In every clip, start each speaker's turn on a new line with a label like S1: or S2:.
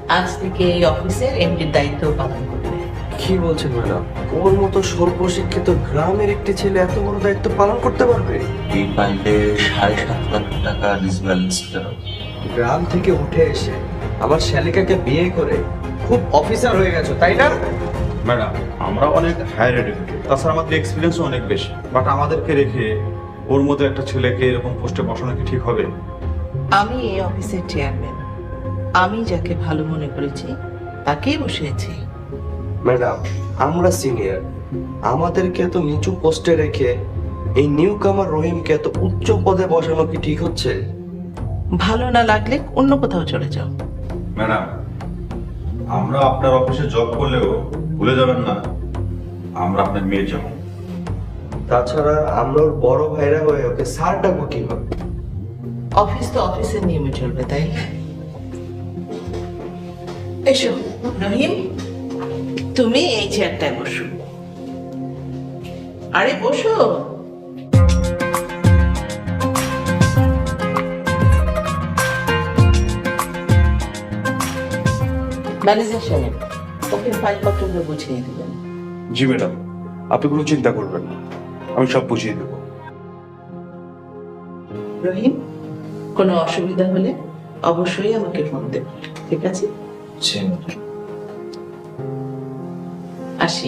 S1: আজ থেকে এই অফিসের এমডির দায়িত্ব পালন করবে।
S2: কি বলছেন ম্যাডাম? ওর মতো সর্বশিক্ষিত গ্রামের একটি ছেলে এত বড় দায়িত্ব পালন করতে পারবে?
S3: এই ফাইলে 7.5 লাখ টাকা ডিসব্যালেন্স করা।
S2: গ্রাম থেকে উঠে এসে আমার শালিকাকে বিয়ে করে খুব অফিসার হয়ে গেছো, তাই না?
S4: ম্যাডাম, আমরা অনেক হায়ার এডুকেটেড, তাছাড়া আমাদের এক্সপিরিয়েন্সও অনেক বেশি, বাট আমাদেরকে রেখে ওর মতো একটা ছেলেকে এরকম পোস্টে বসানো কি ঠিক হবে?
S1: আমি এই অফিসের চেয়ারম্যান, আমি যাকে ভালো মনে করেছি তাকেই বসিয়েছি।
S2: ম্যাডাম, আমরা সিনিয়র, আমাদেরকে এত নিচু পোস্টে রেখে এই নিউ কামার রহিমকে এত উচ্চ পদে বসানো কি ঠিক হচ্ছে?
S1: ভালো না লাগলে অন্য কোথাও চলে যাও।
S4: ম্যাডাম, আমরা আপনার অফিসে জব করলেও ভুলে যাবেন না আমরা আপনার মেয়ে যেমন।
S2: তাছাড়া আমরা ওর বড় ভাইরা হয়ে ওকে স্যার ডাকবো কিভাবে?
S1: অফিস তো অফিসের নিয়মে চলবে, তাই না? এসো রহিম, তুমি এই চেয়ারটায় বসো। আরে বসো। ম্যানেজার সাহেব, ওকে ফাইলপত্রগুলো বুঝিয়ে দিবেন।
S5: জি ম্যাডাম, আপনি কোনো চিন্তা করবেন না, আমি সব বুঝিয়ে দেবো।
S1: রহিম, কোনো অসুবিধা হলে অবশ্যই আমাকে ফোন দেবে, ঠিক আছে? আসি।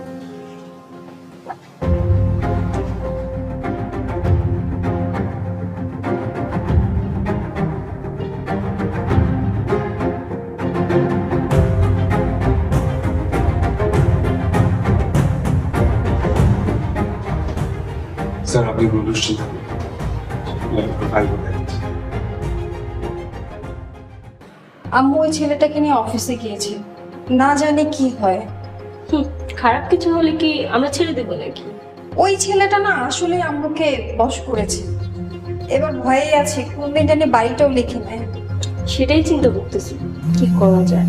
S5: স্যার, আপনি কোনো দুশ্চিন্তা করবেন না, ফাইল করে দিচ্ছি।
S6: আম্মু ওই ছেলেটাকে নিয়ে অফিসে গিয়েছে, না জানে কি হয়।
S7: খারাপ কিছু হলে কি আমরা ছেড়ে দেবো নাকি?
S6: ওই ছেলেটা না আসলে আম্মুকে বশ করেছে, এবার ভয়ে আছে কোন দিন জানি বাড়িটাও লিখে নেয়।
S7: সেটাই চিন্তা করতেছি কি করা যায়।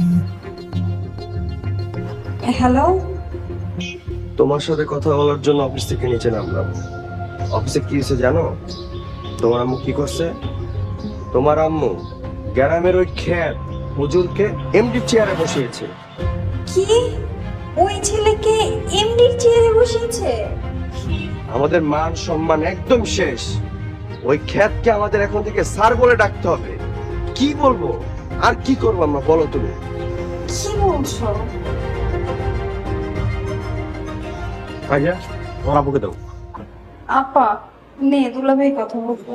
S6: হ্যালো,
S2: তোমার সাথে কথা বলার জন্য অফিস থেকে নিচে নামলাম। অফিসে কি হয়েছে জানো? তোমার আম্মু কি করছে? তোমার আম্মু গ্রামের ওই খ্যাত হুজুরকে এমডি চেয়ারে বসিয়েছে।
S6: কি ওই ছেলেকে এমডির চেয়ারে বসিয়েছে?
S2: আমাদের মান সম্মান একদম শেষ। ওই খ্যাতকে আমাদের এখন থেকে স্যার বলে ডাকতে হবে। কি বলবো আর কি করবো আমরা, বলো তুমি?
S6: কি বলছো?
S4: ভাইয়া, তোমার আব্বুকে দাও।
S6: আপা নে দুলাভাই কথা বলবো।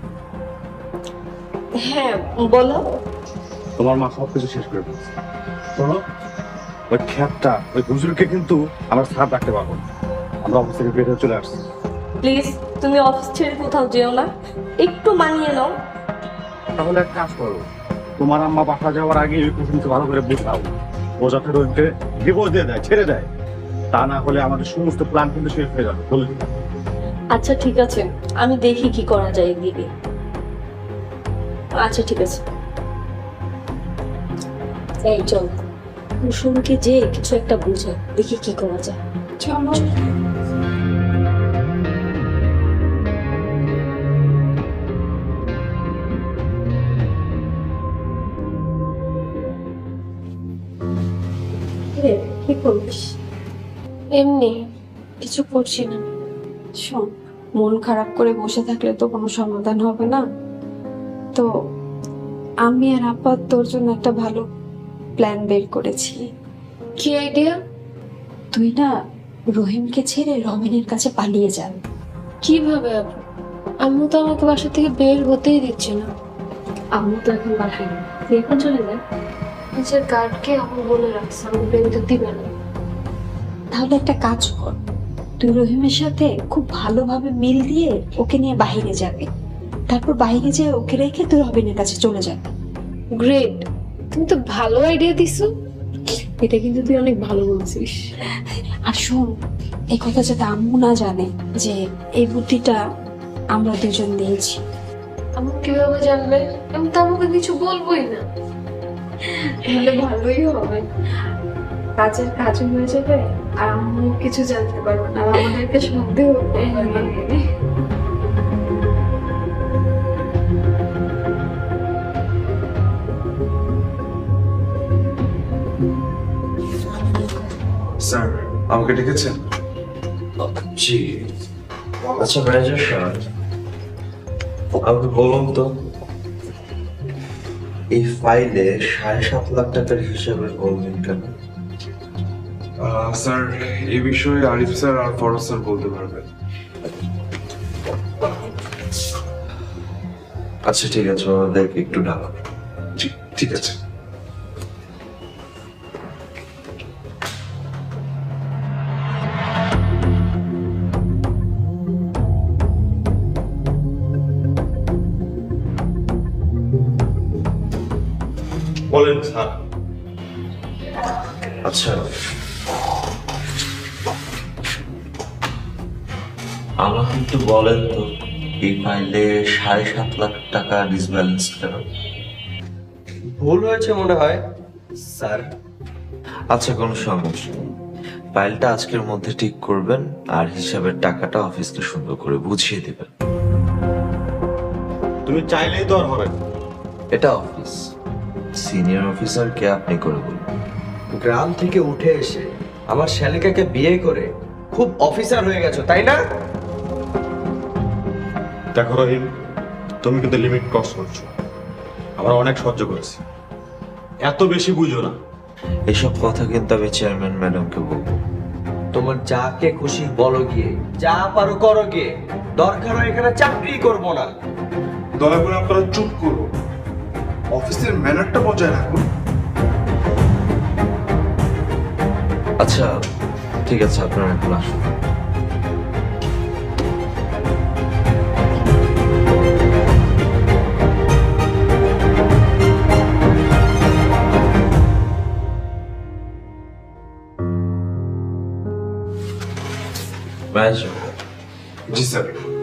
S7: হ্যাঁ বলো।
S4: তোমার মা সব কিছু শেষ করে দিয়েছে। শোনো, ওই খ্যাতটা ওই হুজুরকে কিন্তু আমরা স্যার ডাকতে পারবো না। আমরা অফিস থেকে বের হয়ে চলে আসছি।
S7: প্লিজ তুমি অফিস ছেড়ে কোথাও যেও না, একটু মানিয়ে নাও।
S4: তাহলে এক কাজ করো, তোমার আম্মা বাসা যাওয়ার আগে ওই কুসুমকে ভালো করে বোঝাও, বোঝাতে রহিমকে ডিভোর্স দিয়ে দেয়, ছেড়ে দেয়। তা না হলে আমাদের সমস্ত প্ল্যান কিন্তু শেষ হয়ে যাবে। বলে দিলাম।
S7: আচ্ছা ঠিক আছে, আমি দেখি কি করা যায় দিদি। আচ্ছা ঠিক আছে, এই চল কুসুমকে যে কিছু একটা বুঝে দেখি কি করা যায়।
S6: চলো।
S7: কি করবিস?
S6: এমনি কিছু করছি না। শোন, মন খারাপ করে বসে থাকলে তো কোনো সমাধান হবে না। তো আমি আর আপা তোর জন্য একটা ভালো প্ল্যান বের করেছি।
S7: কি আইডিয়া?
S6: তুই না রহিমকে ছেড়ে রবিনের কাছে পালিয়ে যান।
S7: কিভাবে? আম্মু তো আমাকে বাসা থেকে বের হতেই দিচ্ছে না।
S6: আম্মু তো এখন বাসায় নেই, তুই এখন চলে যা।
S7: নিজের গার্ডকে আম্মু বলে রাখছে আমাকে বের হতে দিবে না।
S6: তাহলে একটা কাজ কর, তুই রহিমের সাথে খুব ভালোভাবে মিল দিয়ে ওকে নিয়ে বাইরে যাবে, তারপর বাইরে যেয়ে ওকে রেখে তুই রবিনের কাছে চলে যাবে।
S7: গ্রেট, তুমি তো ভালো আইডিয়া দিছো। এটা কিন্তু তুই অনেক ভালো বলছিস।
S6: আর শোন, এই কথা যাতে আম্মু না জানে যে এই বুদ্ধিটা আমরা দুজন দিয়েছি।
S7: আম্মু কিভাবে জানবে? আমি তো আমাকে কিছু বলবোই না।
S6: তাহলে ভালোই হবে, কাজের কাজও হয়ে যাবে আর আম্মু কিছু জানতে পারবে না, আর আমাদেরকে সন্দেহ করবে না।
S5: স্যার আমাকে ডেকেছেন?
S2: জি। আচ্ছা ম্যানেজার স্যার, আমাকে বলুন তো, এই ফাইলে 7.5 লাখ টাকার হিসাবে বলবেন কেন?
S5: স্যার এই বিষয়ে আরিফ স্যার আর ফরজ স্যার বলতে পারবেন।
S2: আচ্ছা ঠিক আছে, ওদেরকে একটু ডাকা।
S5: জি ঠিক আছে।
S4: বলেন স্যার।
S2: আচ্ছা, আমাকে একটু বলেন তো, এই ফাইলে 7.5 লাখ টাকা ডিসব্যালেন্স কেন? ভুল হয়েছে মনে হয় স্যার। আচ্ছা কোনো সমস্যা নেই, ফাইলটা আজকের মধ্যে ঠিক করবেন আর হিসাবের টাকাটা অফিসকে সুন্দর করে বুঝিয়ে দেবেন।
S4: তুমি চাইলেই তো আর হবে না।
S2: এটা অফিস, সিনিয়র অফিসারকে আপনি করে বলবেন।
S8: গ্রাম থেকে উঠে এসে আমার শ্যালিকাকে বিয়ে করে খুব অফিসার হয়ে গেছো তাই না?
S4: দেখো রহিম, তুমি কিন্তু লিমিট ক্রস করছো। আমরা অনেক সহ্য করেছি, এত বেশি বুঝো না।
S2: এসব কথা কিন্তু আমি চেয়ারম্যান ম্যাডামকে বলবো।
S8: তোমার যাকে খুশি বলো গিয়ে, যা পারো করো গিয়ে, দরকার হয় এখানে চাকরি করবো না।
S5: দয়া করে আপনারা চুপ করুন, অফিসের ম্যানারটা বজায় রাখুন।
S2: আচ্ছা ঠিক আছে, আপনারা এখন আসুন। ম্যানেজার,
S5: জি স্যার।